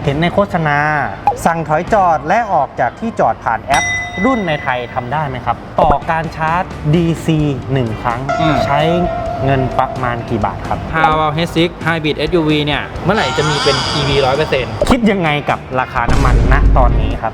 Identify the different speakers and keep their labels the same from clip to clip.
Speaker 1: เห็นในโฆษณาสั่งถอยจอดและออกจากที่จอดผ่านแอป รุ่นในไทยทำได้ไหมครับต่อการชาร์จ DC 1 ครั้งใช้เงินประมาณกี่บาทครับ
Speaker 2: Haval H6 Hybrid SUV เนี่ยเมื่อไหร่จะมีเป็น EV 100%
Speaker 1: คิดยังไงกับราคาน้ำมันณตอนนี้ครับ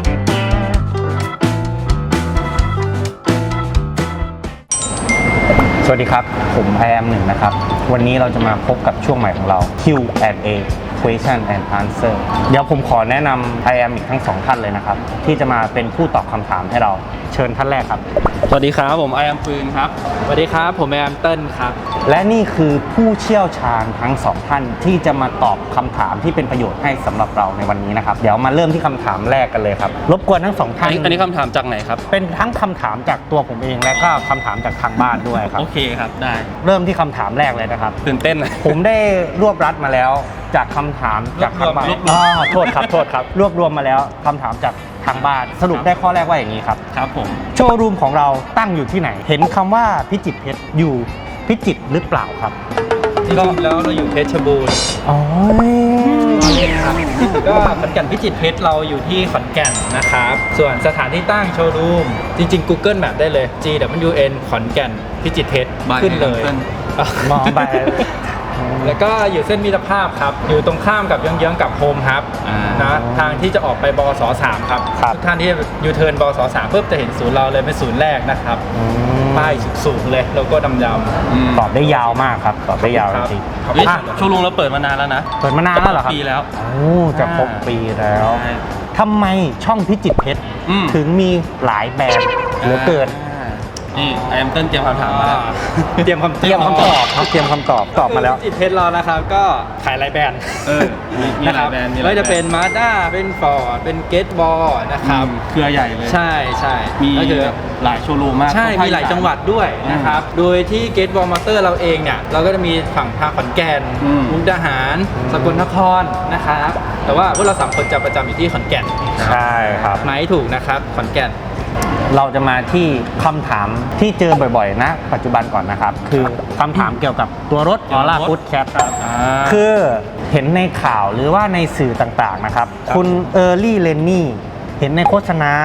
Speaker 1: สวัสดีครับผม IM1 นะครับวันนี้เราจะมาพบกับช่วงใหม่ของเรา Q&A Question and Answer เดี๋ยวผมขอแนะนำ IM อีกทั้ง2ท่านเลยนะครับที่จะมาเป็นผู้ตอบคำถามให้เราเชิญท่านแรกครับ
Speaker 3: สวัสดีครับผมไอแอมปืนครับ
Speaker 2: สวัสดีครับผมแอมเติ้ลครับ
Speaker 1: และนี่คือผู้เชี่ยวชาญทั้ง2ท่านที่จะมาตอบคำถามที่เป็นประโยชน์ให้สำหรับเราในวันนี้นะครับเดี๋ยวมาเริ่มที่คำถามแรกกันเลยครับรบกวนทั้ง2ท่าน
Speaker 3: อันนี้คำถามจากไหนครับ
Speaker 1: เป็นทั้งคำถามจากตัวผมเองและก็คำถามจากทางบ้านด้วยครับ
Speaker 3: โอเคครับได้
Speaker 1: เริ่มที่คำถามแรกเลยนะครับ
Speaker 3: ตื่นเต้น
Speaker 1: ผมได้รวบรัดมาแล้วจากคำถามจากทางบ้านโทษครับรวบรวมมาแล้วคำถามจากทางบ้านสรุปได้ข้อแรกว่าอย่างนี้ครับ
Speaker 3: ครับผม
Speaker 1: โชว์รูมของเราตั้งอยู่ที่ไหนเห็นคำว่าพิจิตรเพชรอยู่พิจิตรหรือเปล่าครับ
Speaker 2: จริงๆแล้วเราอยู่เพชรบูรณ์
Speaker 1: อ๋อ
Speaker 2: ครับก็ขอนแก่นพิจิตรเพชรเราอยู่ที่ขอนแก่นนะครับส่วนสถานที่ตั้งโชว์รูมจริงๆ Google Map ได้เลย GWN ขอนแก่นพิจิตรเพชรขึ้นเลย
Speaker 1: มองไป
Speaker 2: แล้วก็อยู่เส้นมิตรภาพครับอยู่ตรงข้ามกับเยื้องๆกับโฮมฮับนะทางที่จะออกไปบส3ครับทุกท่านที่ยูเทิร์นบส3เพิ่มจะเห็นศูนย์เราเลยเป็นศูนย์แรกนะครับป้ายสูงเลยโลโก้ดำ
Speaker 1: ๆตอบได้ยาวมากครับตอบได้ยาวจริง
Speaker 3: โชว์รูมเราเปิดมานานแล้วนะ
Speaker 1: เปิดมานานแล้วเหรอครับ
Speaker 3: ปีแล้ว
Speaker 1: โอ้จะครบปีแล้วทำไมช่องพิจิตรเพชรถึงมีหลายแบรนด์เหลือเกิน
Speaker 3: นี่ไอแอมเติ้ลเตรียมคำถามมาแล้ว
Speaker 1: เตรียมคำตอบครับเตรียมคำตอบตอบมาแล้ว
Speaker 2: พิจิตรเพชรเรานะครับก็ขายหลายแบรนด์
Speaker 3: มีหลายแบรนด์
Speaker 2: ไม่ว่าจะเป็นมาด้าเป็นฟอร์ดเป็นเกตบอลนะครับ
Speaker 3: เครือใหญ่เลย
Speaker 2: ใช่
Speaker 3: มีหลายโชว์รูมมาก
Speaker 2: ใช่มีหลายจังหวัดด้วยนะครับโดยที่เกตบอลมอเตอร์เราเองเนี่ยเราก็จะมีฝั่งทางขอนแก่นมุกดาหารสกลนครนะครับแต่ว่าพวกเรา3 คนจะประจำอยู่ที่ขอนแก่น
Speaker 1: ใช่ครับ
Speaker 2: ไหนถูกนะครับขอนแก่น
Speaker 1: เราจะมาที่คำถามที่เจอบ่อยๆนะปัจจุบันก่อนนะครับคือคำถามเกี่ยวกับตัวรถออร่าฟู้ดแคทคือเห็นในข่าวหรือว่าในสื่อต่างๆนะครับคุณเออร์ลี่เลนนี่เห็นในโฆษณา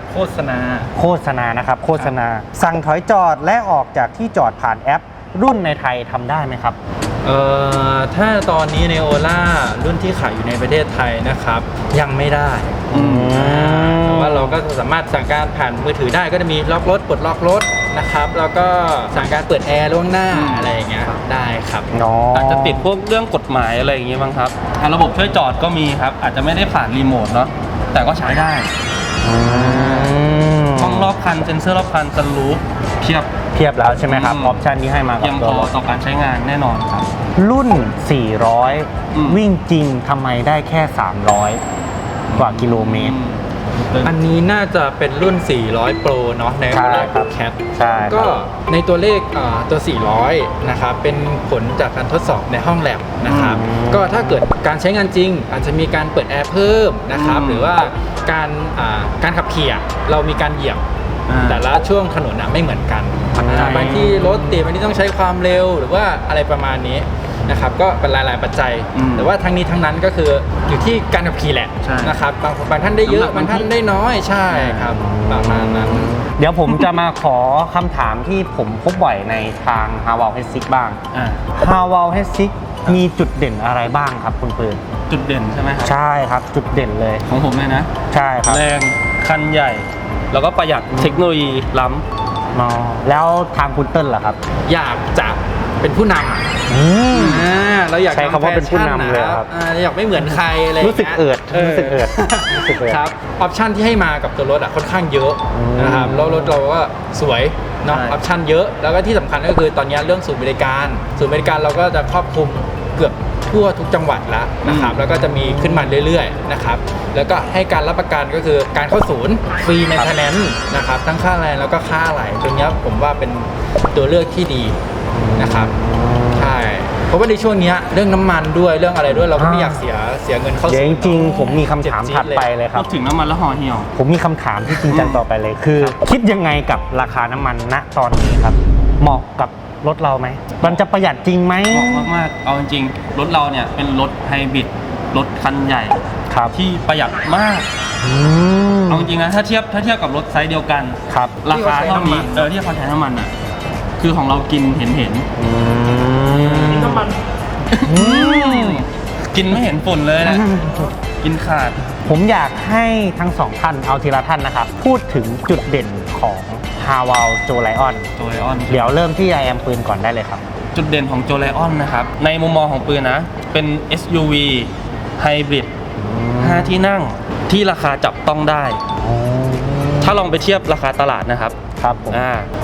Speaker 1: นะครับโฆษณาสั่งถอยจอดและออกจากที่จอดผ่านแอปรุ่นในไทยทำได้ไหมครับ
Speaker 2: ถ้าตอนนี้ในโอล่ารุ่นที่ขายอยู่ในประเทศไทยนะครับยังไม่ได้แต่ว่าเราก็สามารถสั่งการผ่านมือถือได้ก็จะมีล็อกรถปลดล็อกรถนะครับแล้วก็สั่งการเปิดแอร์ล่วงหน้าอะไรอย่างเงี้ยได้ครับ
Speaker 3: อาจจะติดพวกเรื่องกฎหมายอะไรอย่างเงี้ยบ้างครับระบบช่วยจอดก็มีครับอาจจะไม่ได้ผ่านรีโมทเนาะแต่ก็ใช้ได้ห้องรอบคันเซ็นเซอร์รอบคันซันรูฟเพียบ
Speaker 1: แล้วใช่ไหมครับออปชันที่ให้มา
Speaker 3: เพียงพอต่อการใช้งานแน่นอนครับ
Speaker 1: รุ่น400วิ่งจริงทำไมได้แค่300กว่ากิโลเมตร
Speaker 2: อันนี้น่าจะเป็นรุ่น400 Pro เนาะในโอล่าแคทก็ในตัวเลขตัว400นะครับเป็นผลจากการทดสอบในห้องแลบนะครับก็ถ้าเกิดการใช้งานจริงอาจจะมีการเปิดแอร์เพิ่มนะครับหรือว่าการขับขี่เรามีการเหยียบแต่ละช่วงถนนไม่เหมือนกันบางที่รถติดบางที่ต้องใช้ความเร็วหรือว่าอะไรประมาณนี้นะครับก็เป็นหลายๆปัจจัยแต่ว่าทั้งนี้ทั้งนั้นก็คืออยู่ที่การขับขี่แหละนะครับบางท่านได้เยอะบางท่านได้น้อยใช่ครับประมาณนั้น
Speaker 1: เดี๋ยวผมจะมาขอคำถามที่ผมพบบ่อยในทาง Haval H6 บ้าง Haval H6 มีจุดเด่นอะไรบ้างครับคุณปืน
Speaker 3: จุดเด่นใช่ไหมครับ
Speaker 1: ใช่ครับจุดเด่นเลย
Speaker 3: ของผมเลยนะ
Speaker 1: ใช่ครับ
Speaker 3: แรงคันใหญ่แล้วก็ประหยัดเทคโนโลยีล้
Speaker 1: ำแล้วทางคุณเติ้ลล่ะครับ
Speaker 2: อยากจะเป็นผู้นำเราอยาก
Speaker 1: ใช้คำว่าเป็นผู้นำเลยครับ
Speaker 2: อยากไม่เหมือนใครอะไร
Speaker 1: รู้สึกเอิด
Speaker 2: ครับออปชั่นที่ให้มากับตัวรถค่อนข้างเยอะนะครับแล้วรถเราก็สวยเนาะออปชั่นเยอะแล้วก็ที่สำคัญก็คือตอนนี้เรื่องศูนย์บริการเราก็จะครอบคลุมเกือบทั่วทุกจังหวัดแล้วนะครับแล้วก็จะมีขึ้นมาเรื่อยๆนะครับแล้วก็ให้การรับประกันก็คือการเข้าศูนย์ฟรีเมนเทนแนนซ์นะครับทั้งค่าแรงแล้วก็ค่าอะไหล่ตรงนี้ผมว่าเป็นตัวเลือกที่ดีนะครับใช่เพราะว่าในช่วงนี้เรื่องน้ำมันด้วยเรื่องอะไรด้วยเราก็ไม่อยากเสียเงินเข้าศูนย์
Speaker 1: จริงๆผมมีคำถามถัดไปเลยครับ
Speaker 3: พูดถึงน้ำมันแล้วห่อเหี่ยว
Speaker 1: ผมมีคำถามที่จริงจังต่อไปเลยคือคิดยังไงกับราคาน้ำมันณตอนนี้ครับเหมาะกับรถเราไหมมันจะประหยัดจริงไหม
Speaker 3: เหมาะมากๆเอาจริงๆรถเราเนี่ยเป็นรถไฮบริดรถคันใหญ่
Speaker 1: ครับ
Speaker 3: ที่ประหยัดมาก
Speaker 1: อืม
Speaker 3: เอาจริงๆนะถ้าเทียบกับรถไซส์เดียวกัน
Speaker 1: ครับ
Speaker 3: ราคาเท่านี้ที่เขาใช้น้ำมันอ่ะคือของเรากินเห็น
Speaker 1: อืม
Speaker 4: น้ำมัน
Speaker 3: กินไม่เห็นฝุ่นเลยนะ กินขาด
Speaker 1: ผมอยากให้ทั้งสองท่านเอาทีละท่านนะครับ พูดถึงจุดเด่นของ h a w a l Joe Lion
Speaker 3: โจไลออน
Speaker 1: เดี๋ยวเริ่มที่ I am ปืนก่อนได้เลยครับ
Speaker 3: จุดเด่นของโจไลออนนะครับ ในมุมมองของปืนนะ เป็น SUV ไฮบริด5 ที่นั่งที่ราคาจับต้องได้ ถ้าลองไปเทียบราคาตลาดนะครับ
Speaker 1: ครับผม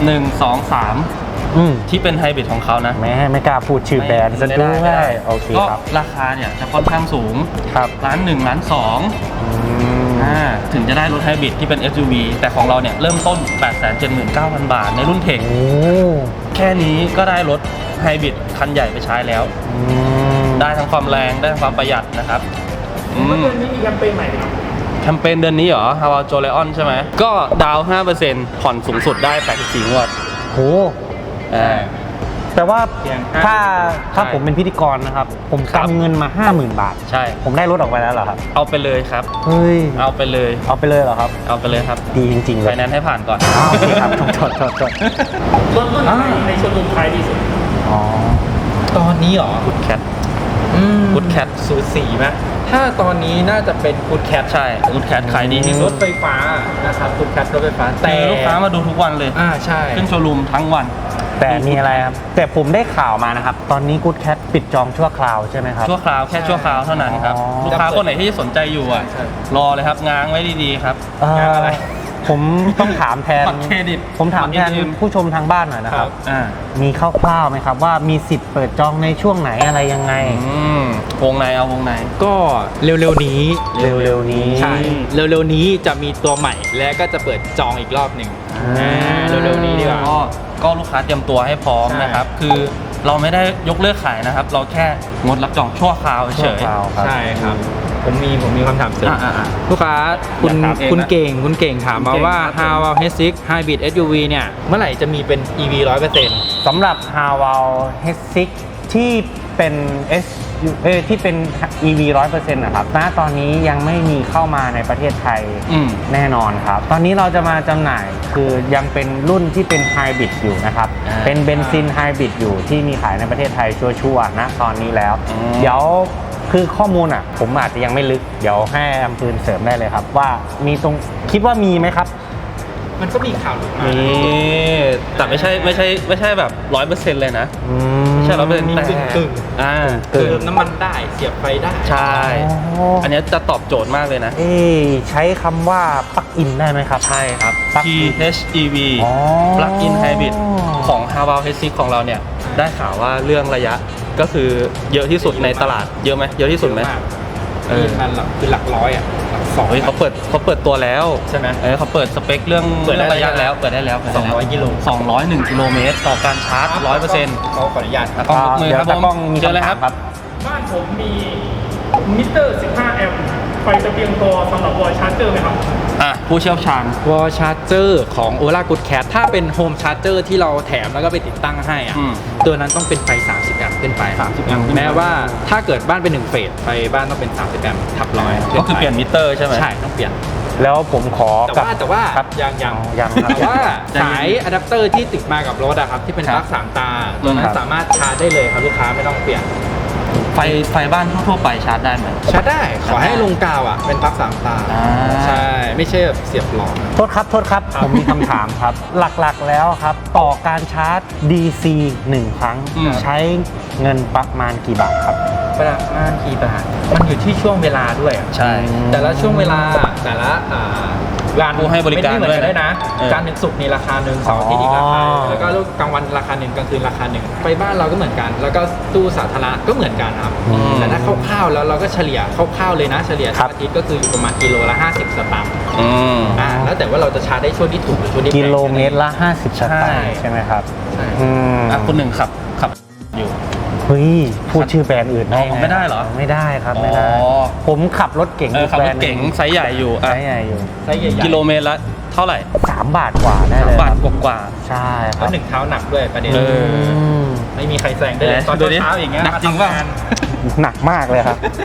Speaker 3: 1 2 3 ที่เป็นไฮบริดของเขานะ
Speaker 1: ไม่กล้าพูดชื่อแบรนด์ซะด้วย
Speaker 3: ไม่ได้
Speaker 1: โอเค
Speaker 3: ก็
Speaker 1: ครับ
Speaker 3: ราคาเนี่ยจะค่อนข้างสูง
Speaker 1: ครับ
Speaker 3: ล้านหนึ่งล้านสอง ถึงจะได้รถไฮบริดที่เป็น SUV แต่ของเราเนี่ยเริ่มต้น 879,000 บาทในรุ่นเทค
Speaker 1: โอ้
Speaker 3: แค่นี้ก็ได้รถไฮบริดคันใหญ่ไปใช้แล้ว ได้ทั้งความแรงได้ทั้งความประหยัดนะครับอื
Speaker 4: เมื่อ
Speaker 3: ม
Speaker 4: เดือนนี้มีแคมเปญใหม่ไหมครับ
Speaker 3: แคมเปญเดือนนี้เหรอ h a w a l Joe Lion ใช่ไหม ก็ดาวน์ 5% ผ่อนสูงสุดได้ 84 งวด
Speaker 1: โห
Speaker 3: อ่า
Speaker 1: แต่ว่า
Speaker 2: เพียง
Speaker 1: ถ้า
Speaker 3: ใช่
Speaker 1: ผมเป็นพิธีกรนะครับ ผม
Speaker 3: ครับ
Speaker 1: กำเงินมา 50,000 บาท
Speaker 3: ใช่
Speaker 1: ผมได้รถออกไปแล้วเหรอครับ
Speaker 3: เอาไปเลยครับ
Speaker 1: เฮ้ย
Speaker 3: เอาไปเลย
Speaker 1: เอาไปเลยเหรอครับ
Speaker 3: เอาไปเลยครับ
Speaker 1: ดีจริงๆเล
Speaker 3: ไฟ
Speaker 1: ย
Speaker 3: แนนซ์ให้ผ่านก่อน
Speaker 1: อ้าวโอเคครับโทษ
Speaker 4: รถรุ่นไหนในโชว์รูมขายดีสุด
Speaker 1: อ๋อ
Speaker 2: ตอนนี้เหรอ
Speaker 3: Good Cat
Speaker 2: กู
Speaker 3: Good Cat
Speaker 2: สูสีไหมถ้าตอนนี้น่าจะเป็นกูดแคท
Speaker 3: ใช่ Good Cat ขายดีที่
Speaker 2: ร
Speaker 3: สุด
Speaker 2: ถไฟฟ้านะครับกูดแคทรถไฟฟ้าแต่
Speaker 3: คือลูกค้ามาดูทุกวันเลย
Speaker 2: ใช่
Speaker 3: ขึ้นโชว์รูมทั้งวัน
Speaker 1: แต่มีอะไรครับ แต่ผมได้ข่าวมานะครับ ตอนนี้ Good Cat ปิดจองชั่วคราวใช่ไหมครับ
Speaker 3: ชั่วคราวแค่ชั่วคราวเท่านั้นครับ
Speaker 1: อ๋อ
Speaker 3: ลูกค้าคนไหนที่สนใจอยู่อ่ะ
Speaker 2: ใช่
Speaker 3: รอเลยครับง้างไว้ดีๆครับ
Speaker 1: งานอะไร ผมต้องถามแทน
Speaker 3: บัตรเครดิต
Speaker 1: ผมถามแทน
Speaker 3: บัตร ATM
Speaker 1: ผู้ชมทางบ้านหน่อยนะครับ
Speaker 3: อ่า
Speaker 1: มีคร่าวๆไหมครับว่ามีสิทธิ์เปิดจองในช่วงไหนอะไรยังไง
Speaker 3: วงในเอาวงใน
Speaker 2: ก็เร็วๆนี้
Speaker 1: เร็วๆนี้
Speaker 2: ใช่เร็วๆนี้จะมีตัวใหม่และก็จะเปิดจองอีกรอบหนึ่งเร็วๆนี้ดีกว่า
Speaker 3: ก็ลูกค้าเตรียมตัวให้พร้อม
Speaker 2: ใช่
Speaker 3: นะครับ คือเราไม่ได้ยกเลิกขายนะครับ เราแค่งดรับจองชั่วคราวเฉ
Speaker 1: ชั่วย คราวครับ
Speaker 2: ใช่ครับ ผมมีคำถามเสริม
Speaker 3: อ่า
Speaker 2: ลูกค้าคุณ
Speaker 3: อยากถามเองนะ
Speaker 2: คุณเก่งถามมาว่า
Speaker 3: คุณเก่งครับ
Speaker 2: Haval H6 Hybrid SUV เนี่ยเมื่อไหร่จะมีเป็น EV 100%
Speaker 1: สำหรับ h a w a l H6 ที่เป็น ที่เป็น EV 100%นะครับณตอนนี้ยังไม่มีเข้ามาในประเทศไทย แน่นอนครับ ตอนนี้เราจะมาจำหน่ายคือยังเป็นรุ่นที่เป็นไฮบริดอยู่นะครับ เป็นเบนซินไฮบริดอยู่ที่มีขายในประเทศไทยชัวร์ๆนะตอนนี้แล้ว เดี๋ยวคือข้อมูลผมอาจจะยังไม่ลึก เดี๋ยวให้อำปืนเสริมได้เลยครับ ว่ามีตรงคิดว่ามีไหมครับ
Speaker 2: มันก็มีข่าวหลุดมา
Speaker 3: นี่แต่ไม่ใช่แบบ 100% เลยนะ ไม่ใช่ 100%
Speaker 2: มี
Speaker 3: แต่
Speaker 2: กึ่ง
Speaker 1: กึ่ง
Speaker 2: เติมน้ำมันได้เสียบไฟได้
Speaker 3: ใช่
Speaker 1: อ๋ออั
Speaker 3: อันเนี้ยจะตอบโจทย์มากเลยนะ
Speaker 1: ใช้คำว่าปลั๊กอินได้ไหมครับ
Speaker 3: ใช่ครับ
Speaker 1: Plug in
Speaker 3: PHEV
Speaker 1: อ๋อ
Speaker 3: Plug-in Hybrid ของ Haval H6 ของเราเนี่ย ได้ข่าวว่าเรื่องระยะก็คือเยอะที่สุดในตลาด เยอะไหมเยอะที่สุดไหม
Speaker 2: นี่มันคือหลักร้อยอ่ะหลักสอง
Speaker 3: เฮ้ยเขาเปิดตัวแล้ว
Speaker 2: ใช่ไหม
Speaker 3: เขาเปิดสเปคเรื่อง
Speaker 2: เปิดได้
Speaker 3: ระยะแล้วเปิดได้แล้ว
Speaker 2: 200กิโล
Speaker 3: 201 กิโลเมตรต่อการชาร์จ 100%
Speaker 2: เขาขออนุญาตครับ
Speaker 3: ตากล้องยกมือครับ
Speaker 1: เดี๋ยวตากล้องมี
Speaker 3: เจอเลย
Speaker 1: คำ
Speaker 3: ค
Speaker 1: ถา
Speaker 3: รับ
Speaker 1: มครับ
Speaker 4: บ้านผมมีมิเตอร์ 15 แอมป์ไฟจะเพียงพอสำหรับวอลชาร์เจอร์ไหมครับ
Speaker 3: ผู้เชี่ยวชาญ
Speaker 2: วอลชาร์เจอร์ของ Ola Good Cat ถ้าเป็นโฮมชาร์เจอร์ที่เราแถมแล้วก็ไปติดตั้งให้อ่ะ
Speaker 3: อืม
Speaker 2: ตัวนั้นต้องเป็นไฟ 30 แอมป์ขึ้นไป
Speaker 3: 30 แอมป์ขึ้นไป
Speaker 2: แม้ว่าถ้าเกิดบ้านเป็น1เฟสไฟบ้านต้องเป็น 30 แอมป์ทับร้อย
Speaker 3: ก็คือเปลี่ยนมิเตอร์ใช่ไหม
Speaker 2: ใช่ต้องเปลี่ยน
Speaker 1: แล้วผมขอ
Speaker 2: แต่ว่า
Speaker 1: ครับ
Speaker 2: ยัง
Speaker 1: ยังครับ
Speaker 2: แต่ว่า
Speaker 3: ยัง
Speaker 2: สายอะแดปเตอร์ที่ติดมากับรถอะครับที่เป็น
Speaker 3: ครับ
Speaker 2: ปลั๊ก3 ตา ตัวนั้
Speaker 1: คน รับ
Speaker 2: สามารถชาร์จได้เลยครับลูกค้าไม่ต้องเปลี่ยน
Speaker 3: ไฟบ้านทั่วๆไปชาร์จได้ไหม
Speaker 2: ชาร์จได้ขอให้ลงกาวอ่ะเป็นปลั๊ก3 ตา
Speaker 3: อ่า
Speaker 2: ใช่ไม่ใช่แบบเสียบหลอด
Speaker 1: โทษครับ ผมมีคำถามครับ หลักๆแล้วครับ ต่อการชาร์จ DC 1 ครั้ง ใช้เงินประมาณกี่บาทครับ
Speaker 2: ประมาณกี่บาทมันอยู่ที่ช่วงเวลาด้วยอะ
Speaker 3: ใช่
Speaker 2: แต่ละช่วงเวลาแต่ละงาน
Speaker 3: ผู้ให้บริการ
Speaker 2: ไม่เหมือนกัน
Speaker 3: ด้
Speaker 2: ด้
Speaker 3: ว
Speaker 2: วย ย
Speaker 3: นะ
Speaker 2: นะ
Speaker 3: เออ
Speaker 2: การถึงศุกร์นี่ราคาหนึ่งเสาร์อาทิตย์อีกราคาหนึ่งแล้วก็กลางวันราคาหนึ่งกลางคืนราคาหนึ่งไปบ้านเราก็เหมือนกัน แล้วก็ตู้สาธารณะก็เหมือนกันครับ
Speaker 1: อืม
Speaker 2: แต่ถ้าคร่าวๆแล้วเราก็เฉลี่ยคร่าวๆเลยนะเฉลี่ย
Speaker 1: ครั
Speaker 2: ทั้
Speaker 1: บ
Speaker 2: งอาทิตย์ก็คืออยู่ประมาณกิโลละ50 สตางค์
Speaker 3: อืม
Speaker 2: แล้วแต่ว่าเราจะชาร์จได้ช่วงที่ถูกหรือช่วงที่แพง
Speaker 1: กิโลเมตรละ 50 สตางค์ใช่ไหมครับ
Speaker 2: ใช่
Speaker 1: อืม
Speaker 3: คุณหนึ่งขับอยู่
Speaker 1: เฮ้ย พูดชื่อแบรนด์อื่นได้
Speaker 3: อ๋อไม่ได้เหรอ
Speaker 1: ไม่ได้ครับไม่ได้
Speaker 3: อ๋อ
Speaker 1: ผมขับรถเก๋ง
Speaker 3: ขับ
Speaker 1: แบ
Speaker 3: ร
Speaker 1: น
Speaker 3: ถ
Speaker 1: ด์
Speaker 3: เก๋งไซส์ใหญ่อยู่
Speaker 1: ใช่ไงอยู่
Speaker 2: ไซส์ใหญ่ๆ
Speaker 3: กิโลเมตรละเท่าไหร่
Speaker 1: 3 บาทกว่าได้เลย
Speaker 3: บาท
Speaker 1: ครับ
Speaker 3: กว่า
Speaker 1: ใช่ค
Speaker 2: แล้
Speaker 1: รั
Speaker 2: ว
Speaker 1: บ
Speaker 2: หนึ่งเท้าหนักด้วยประเด็น
Speaker 3: เออ
Speaker 1: ม
Speaker 2: ไม่มีใครแซงได้เลยตอน
Speaker 3: ดูดิ
Speaker 2: เช้าๆอย่างเงี้ย
Speaker 3: หนักจริงเปล่า
Speaker 2: มาทำาน
Speaker 1: หนักมากเลยครับ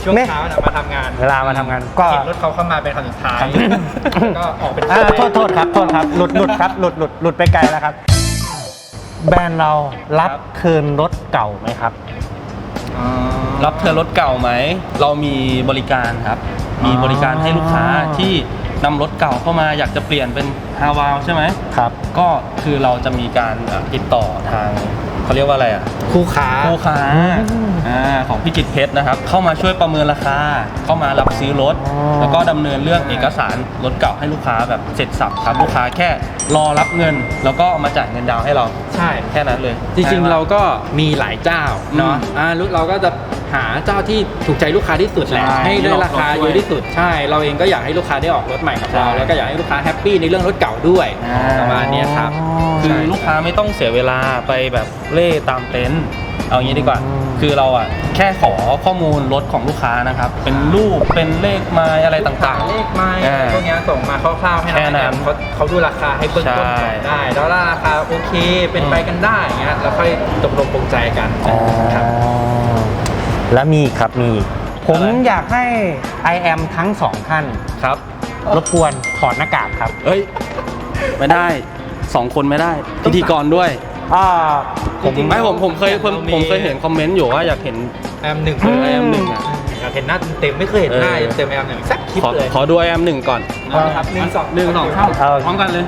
Speaker 2: ช่วง
Speaker 1: แม่
Speaker 2: เช้านะมาทำงาน
Speaker 1: เวลามาทำงานก็
Speaker 2: เห็นรถเขาเข้ามาเป็นคันสุดท้ายก็ออกเป็น
Speaker 1: โทษครับหลุดครับหลุดไปไกลแล้วครับ แบรนด์เรารับคืนรถเก่าไหมครับ
Speaker 3: รับเทิร์นรถเก่าไหม เรามีบริการครับ มีบริการให้ลูกค้าที่นำรถเก่าเข้ามาอยากจะเปลี่ยนเป็นฮาวาวใช่ไหม
Speaker 1: ครับ
Speaker 3: ก็คือเราจะมีการติดต่อทางเขาเรียกว่าอะไรอ่ะ
Speaker 2: คู่ค้า
Speaker 3: ผู้ค้าของพิจิตรเพชรนะครับ เข้ามาช่วยประเมินราคา เข้ามารับซื้อรถ
Speaker 1: อ๋อ
Speaker 3: แล้วก็ดำเนินเรื่องเอกสารรถเก่าให้ลูกค้าแบบเสร็จสับครับลูกค้าแค่รอรับเงิน แล้วก็เอามาจ่ายเงินดาวน์ให้เรา
Speaker 2: ใช่
Speaker 3: แค่นั้นเลย
Speaker 2: จริงๆเราก็มีหลายเจ้าเนาะเราก็จะหาเจ้าที่ถูกใจลูกค้าที่สุดแหละ
Speaker 3: ใช่
Speaker 2: ให้ได้ราคาเยอะที่สุดใช่ เราเองก็อยากให้ลูกค้าได้ออกรถใหม่กับเรา
Speaker 3: ใช่
Speaker 2: แล้วก็อยากให้ลูกค้าแฮปปี้ในเรื่องรถเก่าด้วยประมาณเนี้ยครับ
Speaker 3: คือลูกค้าไม่ต้องเสียเวลาไปแบบเล่ตามเต็นท์เอางี้ดีกว่า คือเราอ่ะแค่ขอข้อมูลรถของลูกค้านะครับ เป็นรูปเป็นเลขไมล์อะไรต่างๆ
Speaker 2: เลขไม้
Speaker 3: อ่า
Speaker 2: พวกเนี้ยส่งมาคร่าวๆให้
Speaker 3: แค่นั้น
Speaker 2: เขาดูราคาให้เบื้องต้นก่อน
Speaker 3: ใช่
Speaker 2: ได้ แล้วถ้าราคาโอเคเป็นไปกันได้อย่างเงี้ยเราค่อยตกลงปรงใจกันครับ
Speaker 1: แล้วมีอีกครับมีอีกผม
Speaker 3: อะไร
Speaker 1: อยากให้ I am ทั้งสองท่าน
Speaker 3: ครับ
Speaker 1: รบกวนถอดหน้ากากครับ
Speaker 3: เอ้ย ไม่ได้2 คนไม่ได้ พิธีกรด้วย
Speaker 1: ผม
Speaker 2: จริงๆ
Speaker 3: ไม่ผมเคยเห็นคอมเมนต์อยู่ว่าอยากเห็น
Speaker 2: แอมหนึ่ง
Speaker 3: ไอแอมหนึ่งอ่ะ
Speaker 2: อยากเห็นหน้าเต็มๆไม่เคยเห็นหน้า
Speaker 3: เออ
Speaker 2: เต็มๆแอมหนึ่งสักคลิป
Speaker 3: ขอ
Speaker 2: เลย
Speaker 3: ขอดูไอแอมหนึ่งก่อน
Speaker 2: นะครับหนึ่งสอง
Speaker 3: หนึ่งสองสามพร้อมกันเลย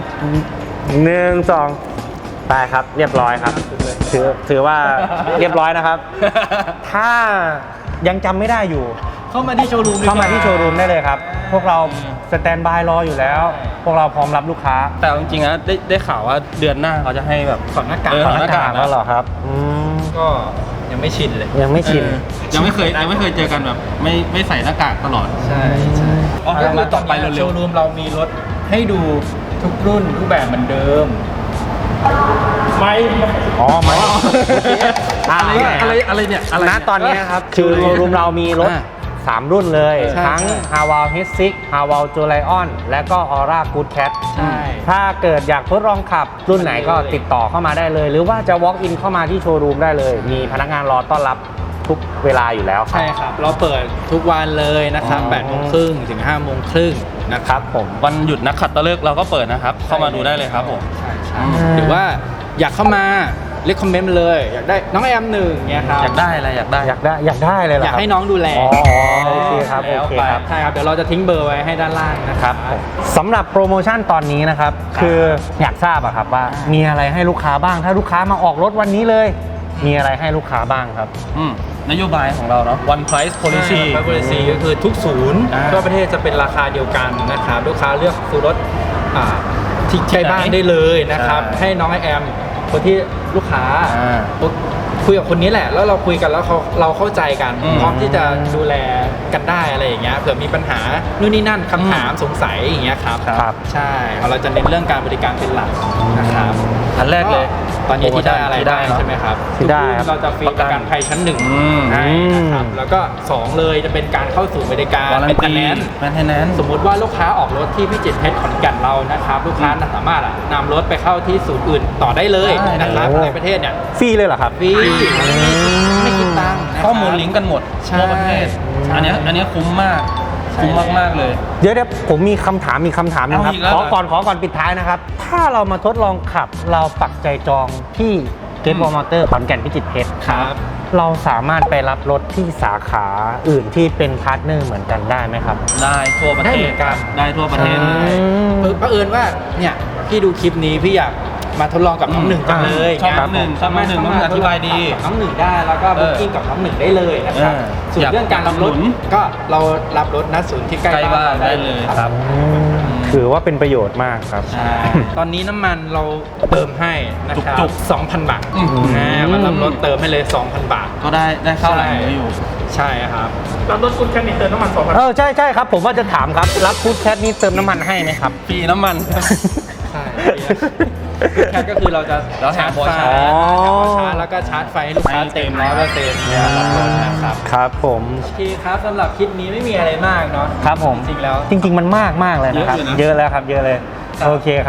Speaker 1: 1 2ได้ครับ เรียบร้อยครับ ถือว่าเรียบร้อยนะครับ ถ้ายังจำไม่ได้อยู่
Speaker 2: เข้ามาที่โชว์รูม
Speaker 1: เข้ามาที่โชว์รูมได้เลยครับ พวกเราสแตนบายรออยู่แล้ว พวกเราพร้อมรับลูกค้า
Speaker 3: แต่จริงๆนะได้ข่าวว่าเดือนหน้าเขาจะให้แบบ
Speaker 2: ถอดหน้ากาก
Speaker 3: เออ
Speaker 1: ถอดหน้ากากแล้วเหรอครับม
Speaker 2: ก็ยังไม่ชินเลย
Speaker 1: ยังไม่ชิน
Speaker 3: ยังไม่เคยเจอกันแบบไม่ใส่หน้ากากตลอด
Speaker 2: ใช่ใช่
Speaker 3: อ๋อ
Speaker 2: ก็คือ
Speaker 3: มา
Speaker 2: ต
Speaker 3: ต่
Speaker 2: อ
Speaker 3: อน ไป
Speaker 2: นี้
Speaker 3: เร็วๆ
Speaker 2: โชว์รูมเรามีรถให้ดูทุกรุ่นทุกแบบเหมือนเดิม
Speaker 4: ไม่
Speaker 1: อ๋อไม่
Speaker 3: อะไรเนี่ยอะไร
Speaker 1: ณตอนนี้ครับ คือโชว์รูมเรามีรถ 3 รุ่นเลย
Speaker 2: ใช่
Speaker 1: ทั้ง h a w a l H6 h a w a l j o l i o n และก็ Aura Good Cat
Speaker 2: ใช่
Speaker 1: ถ้าเกิดอยากทดลองขับรุ่นไหนก็ติดต่อเข้ามาได้เลย หรือว่าจะ walk in เข้ามาที่โชว์รูมได้เลย มีพนักงานรอต้อนรับทุกเวลาอยู่แล้วครับ
Speaker 2: ใช่ครับ เราเปิดทุกวันเลยนะครับ
Speaker 1: อ๋อ
Speaker 2: 8 โมงครึ่งถึง 5 โมงครึ่งนะครับ
Speaker 1: ผม
Speaker 3: วันหยุดนักขัตฤกษ์เราก็เปิดนะครับ เข้ามาดูได้เลยครับผม
Speaker 2: ใช่ใช่หรือว่าอยากเข้ามาเรียกคอมเมนต์มาเลย อยากได้น้องแอมหนึ่งเงี้ยครับ
Speaker 3: อยากได้อะไรอยากได้
Speaker 1: อยากได้เลยเหรอ
Speaker 2: อยาก
Speaker 1: ครับ
Speaker 2: ให้น้องดูแล
Speaker 1: อ๋อโอเคครับ
Speaker 3: แล้ว
Speaker 1: โอเค
Speaker 3: ไป
Speaker 1: ครับ
Speaker 2: ใช่ครับ เดี๋ยวเราจะทิ้งเบอร์ไว้ให้ด้านล่างนะ
Speaker 1: ค
Speaker 2: ค
Speaker 1: รั
Speaker 2: รั
Speaker 1: บบ สำหรับโปรโมชั่นตอนนี้นะครับ คืออยากทราบอะครับว่ามีอะไรให้ลูกค้าบ้าง ถ้าลูกค้ามาออกรถวันนี้เลย มีอะไรให้ลูกค้าบ้างครับ
Speaker 3: นโยบายของเราเนาะ One Price Policy
Speaker 2: ไฟโพลิซีก็คือทุกศูนย์
Speaker 3: อ่า
Speaker 2: ทั่วประเทศจะเป็นราคาเดียวกันนะครับลูกค้าเลือกซื้อรถที่ใกล้บ้านได้เลยนะครับ
Speaker 3: ใช่
Speaker 2: ให้น้องไอแอมคนที่ลูกค้า
Speaker 3: อ่า
Speaker 2: คุยกับคนนี้แหละ แล้วเราคุยกันแล้วเราเข้าใจกัน
Speaker 3: อืม
Speaker 2: พร้อมที่จะดูแลกันได้อะไรอย่างเงี้ยเผื่อมีปัญหานู่นนี่นั่นคำถามสงสัยอย่างเงี้ยครับ
Speaker 1: ครับ
Speaker 2: ใช่เราจะเน้นเรื่องการบริการเป็นหลักนะครับ
Speaker 3: อันแรกเลย
Speaker 2: ตอนนี้ที่ได้อะไร
Speaker 3: ที่ได้
Speaker 2: ได้
Speaker 3: เนอะ
Speaker 2: ใช่ไหมครับ
Speaker 1: ที่ได้ครับ
Speaker 2: เราจะฟรีประกันภัยชั้นหนึ่ง
Speaker 3: อืม
Speaker 2: ให้นะครับแล้วก็2เลยจะเป็นการเข้าสู่บริการ
Speaker 3: วารัน
Speaker 2: เป็น
Speaker 3: ตี
Speaker 2: คะแนน
Speaker 3: แมนเทนแนน
Speaker 2: สมมุติว่าลูกค้าออกรถที่พิจิตรเพชรขอนแก่นเรานะครับลูกค้าสามารถนำรถไปเข้าที่ศูนย์อื่นต่อได้เลย
Speaker 3: ได้
Speaker 2: นะครับ
Speaker 1: โอ้
Speaker 2: ในประเทศเนี่ย
Speaker 1: ฟรีเลยเหรอครับ
Speaker 2: ฟรีไม่คิดตังค์นะครับ
Speaker 3: ข้อมูลลิงก์กันหมด
Speaker 2: ใช่
Speaker 3: ทั่วประเทศ
Speaker 2: ใช่
Speaker 3: อันเนี้ยคุ้มมาก
Speaker 2: ใช่
Speaker 3: คุ้มมากๆเลย
Speaker 1: เดี๋ยวผมมีคำถามหนึงครับ
Speaker 3: เอาอีกแล้ว
Speaker 1: ข
Speaker 3: เหร
Speaker 1: อ
Speaker 3: อ
Speaker 1: ก่อนปิดท้ายนะครับ ถ้าเรามาทดลองขับเราปักใจจองที่เกตบอลมอเตอร์ขอนแก่นพิจิตรเพชร
Speaker 2: ครับ
Speaker 1: เราสามารถไปรับรถที่สาขาอื่นที่เป็นพาร์ทเนอร์เหมือนกันได้ไหมครับ
Speaker 3: ได้ทั่วประเท
Speaker 2: ได้เห
Speaker 3: ศ
Speaker 2: มือนกัน
Speaker 3: ได้ทั่วประเทศ
Speaker 1: อืม
Speaker 2: เผอิญว่าเนี่ยพี่ดูคลิปนี้พี่อยากมาทดลองกับน้องหนึ่งจังเลย
Speaker 3: ชอบน้องหนึ่งชอบน้องหนึ่งน้องหนึ่งอธิบายดี
Speaker 2: กับน้องหนึ่งได้แล้วก็บุ๊กิ้งกับน้องหนึ่งได้เลยนะครับ
Speaker 3: เออ
Speaker 2: ส่วนเรื่องการรับรถ
Speaker 3: อยากหนุน
Speaker 2: ก็เรารับรถณศูนย์ที่ใกล้
Speaker 3: ใกล้บ้านได้เลยครับ
Speaker 1: ถือว่าเป็นประโยชน์มากครับ
Speaker 2: ใช่ตอนนี้น้ำมันเราเติมให้นะครับ
Speaker 3: จุก
Speaker 2: 2,000 บาท
Speaker 3: อืม
Speaker 2: มารับรถเติมให้เลย 2,000 บาท
Speaker 3: ก็ได้เข้าหลายมื้ออยู่
Speaker 2: ใช่ครับ
Speaker 4: รับรถคุณแค่นี้เติมน้ำมัน2,000
Speaker 1: ใช่ครับ ผมว่าจะถามครับ รับฟู้ดแคทนี่เติมน้ำมันให้ไหมครับ
Speaker 3: ฟรีน้ำมัน
Speaker 2: ใช่แค่ก็คือเราจะ
Speaker 3: เราแถมหัวชาร์จ
Speaker 2: ชาร์จแล้วก็ชาร์จไฟให้ลูกค้าเต็ม 100%เนี่ยรับรถนะครับ
Speaker 1: ครับผม
Speaker 2: โอเคครับสำหรับคลิปนี้ไม่มีอะไรมากเนาะ
Speaker 1: ครับผม
Speaker 2: จริงๆแล้ว
Speaker 1: จริงๆมันมากเลยนะครับ
Speaker 3: เยอะอยู่นะ
Speaker 1: เยอะแล้วครับ เยอะเลย
Speaker 2: ครับ
Speaker 1: โอเคครับ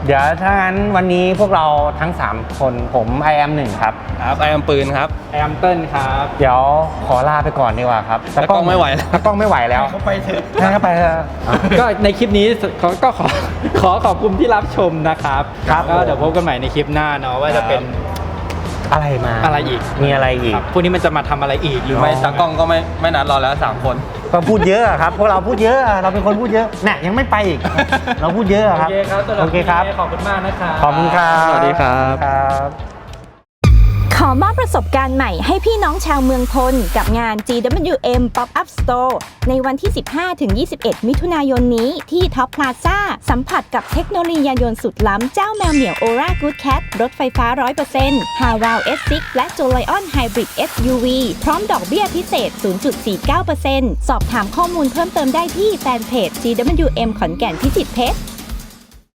Speaker 1: เดี๋ยวถ้างั้นวันนี้พวกเราทั้ง 3 คนผม I am 1ครับ
Speaker 3: ครับไอแอมปืนครับ
Speaker 2: แอมเติ้ลครับ
Speaker 1: เดี๋ยวขอลาไปก่อนดีกว่าครับ
Speaker 3: ตากล้องไม่ไหวแล้ว
Speaker 1: ตากล้องไม่ไหวแล้ว
Speaker 3: เขาไปเถอะ
Speaker 1: ให้เขาไปเถอะ
Speaker 2: ก็ในคลิปนี้ก็ขอขอบคุณที่รับชมนะครับ
Speaker 1: ครับ
Speaker 2: ก็เดี๋ยวพบกันใหม่ในคลิปหน้าเนาะว่าจะเป็น
Speaker 1: อะไรมา
Speaker 2: อะไรอีก
Speaker 1: มีอะไรอีก
Speaker 2: ครับพวกนี้มันจะมาทำอะไรอีกหรือ
Speaker 3: ไม่
Speaker 2: ไม่
Speaker 3: ตากล้องก็ไม่นัดเราแล้ว3 คน
Speaker 1: ก็พูดเยอะอะครับ พวกเราพูดเยอะอะเราเป็นคนพูดเยอะน่ะยังไม่ไปอีก เราพูดเยอะอะ
Speaker 2: โอ
Speaker 1: ครับ
Speaker 2: เคครับสำหรับ
Speaker 1: โอเคครับ
Speaker 2: วันนี้ขอบคุณมากนะครับ
Speaker 1: ขอบคุณครับ
Speaker 2: สวัสดีครับ
Speaker 1: ครับ
Speaker 5: ขอมอบประสบการณ์ใหม่ให้พี่น้องชาวเมืองพลกับงาน GWM Pop-up Store ในวันที่ 15-21 มิถุนายนนี้ที่ Top Plaza สัมผัสกับเทคโนโลยียานยนต์สุดล้ำเจ้าแมวเหมียว Aura Good Cat รถไฟฟ้า 100% Haval S6 และ Jolion Hybrid SUV พร้อมดอกเบี้ยพิเศษ 0.49% สอบถามข้อมูลเพิ่มเติมได้ที่แฟนเพจ GWM ขอนแก่นพิจิตรเพชร